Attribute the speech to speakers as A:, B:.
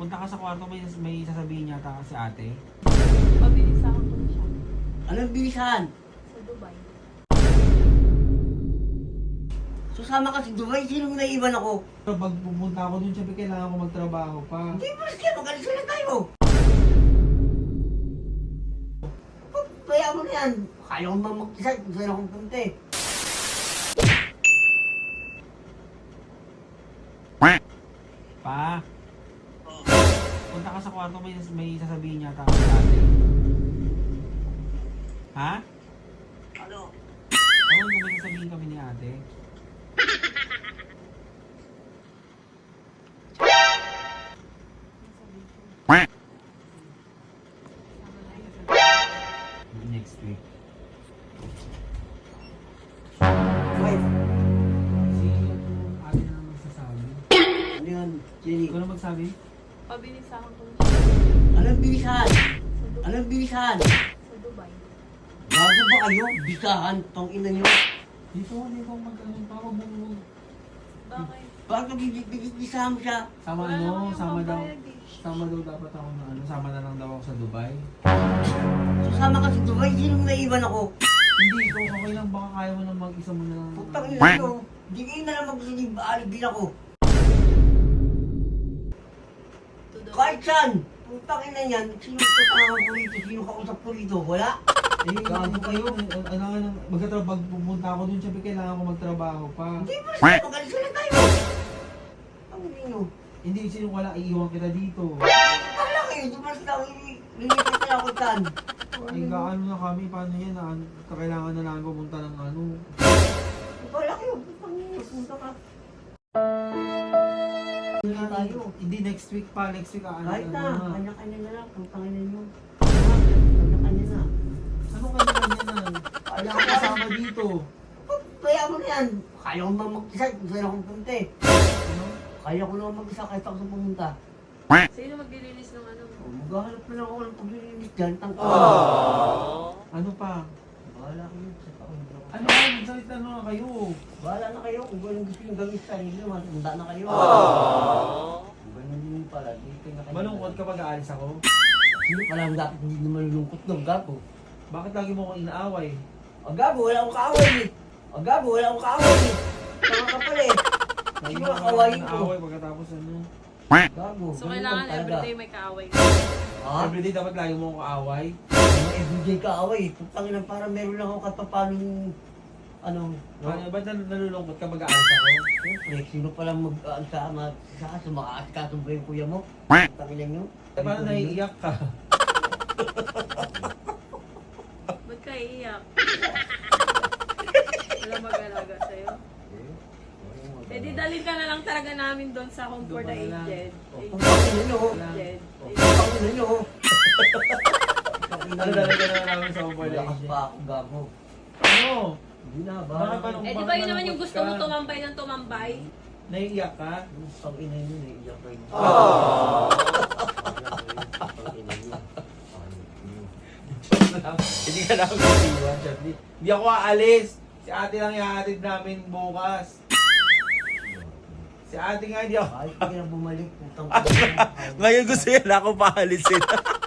A: Punta ka sa kwarto, may sasabihin yata si ate.
B: Pabilisahan ko na siya.
C: Anong bilisan?
B: Sa Dubai.
C: Susama ka sa Dubai, sinong naiwan ako?
A: Pero pag pumunta ako dun, sabi kailangan ko magtrabaho pa.
C: Hindi mo siya, magalis na tayo. Kaya mo na yan. Kaya ko ba mag-decide kung saan akong punta eh.
A: Pa, punta ka sa kwarto, may sasabihin yata si ate. Ha?
C: Ano?
A: Ewan ko may sasabihin kami ni ate. Next week.
C: Wait,
A: Si ate na lang magsasabi.
C: ano yun, Jenny?
A: Ikaw na magsabi?
B: Pabilisahan ko na siya.
C: Anong bilisan?
B: Sa Dubai.
C: Anong bilisan?
B: Sa Dubai.
C: Bago ba kayo? Bisahan, tong ina nyo.
A: Dito ko mag-ano pa, wag mo.
B: Bakit?
C: Bago bisahan mo siya.
A: Sama
B: Wala naman
A: ano,
B: yung
A: sama daw.
B: pambayad eh.
A: Sama daw dapat ako na ano, sama na lang daw ako sa Dubai.
C: Susama ka sa Dubai, sinong naiwan ako?
A: Hindi, ikaw okay lang, baka kaya mo na mag-isa mo na lang.
C: Putang ina nyo. Hindi kayo na lang magsinig, aalibin ako.
B: To the
C: Kahit saan. Putang ina yan, sino kasama ko rito? Sino kausap ko rito? Wala?
A: Eh, gago kayo, pag pumunta ako dun, sabi kailangan ko magtrabaho pa.
C: Hindi mo siya, magalis na tayo. Ang ina nyo.
A: Hindi, sino wala, iiwan kita dito.
C: Wala kayo, di ba sila lilipat na ako dyan?
A: Ay, gaano na kami, paano yan, kailangan na lang pumunta ng ano.
C: Wala kayo, putang ina, punta ka. Tayo.
A: Hindi, next week pa, next week,
C: Kahit na,
A: ano.
C: kanya-kanya na lang, putang ina nyo. Kanya-kanya na.
A: Ano kanya-kanya na? Kaya ako kasama dito.
C: Kaya mo na yan. Kaya ko ba mag-decide kung saan akong punta eh.
A: Ano?
C: Kaya ko naman mag-isa kahit ako sa pumunta.
B: Sino mag-release ng ano?
C: Maghahanap na lang ako ng paglilinis dyan. Tangka.
A: Ano pa?
C: Bahala kayo sa taon.
A: Ano ba? Magsalita na nga kayo.
C: Bahala na kayo kung gano'ng gusto nyo gawin sa inyo. Matanda na kayo. Kung gano'n din pala, dito na kayo.
A: Malungkot kapag aalis ako.
C: Sino pala ang dapat hindi na malulungkot ng gago?
A: Bakit lagi mo akong inaaway?
C: Ang gago, wala akong kaaway eh. Ang gago, wala akong kaaway eh. Tama ka pala eh.
A: Lagi
C: Sino
A: mo
C: ang
A: akong
C: kawain ko?
A: inaaway pagkatapos ano.
C: Gago.
B: So
C: ganun
B: kailangan
C: lang talaga.
B: everyday may kaaway.
C: Ha?
A: Everyday dapat lagi mo akong kaaway.
C: Mga everyday kaaway. Putangin na parang meron lang ako katapanong ano. No?
A: Ano, ba't nalulungkot kapag aalis ako?
C: Siyempre, sino palang mag-aansama sa makaasikasong ba yung kuya mo? Putangin nyo.
A: Eh, paano naiiyak ka?
B: Ba't ka iiyak? Wala mag-alaga sa'yo. Eh di dalhin ka na lang talaga namin doon sa Home for the
A: Doon ka na lang.
B: Aged.
C: Putangin nyo.
B: Aged.
C: Putangin nyo.
A: Ano talaga na namin sa overlay?
C: Malakas pa ako, gago.
A: Ano?
C: Hindi na,
A: Bakit
C: bahala
A: pa
C: kayo.
A: nung-
B: Eh di ba yun naman yung gusto mo tumambay ng tumambay?
A: Naiiyak ka?
C: Putangin nyo, naiiyak kayo.
A: Hindi ka namin iiwan, Charlie. Hindi ako aalis. Si ate lang ihahatid namin bukas. Si ate nga hindi ako.
C: Kahit hindi na bumalik, putang
D: Ngayon gusto nila ako paalisin.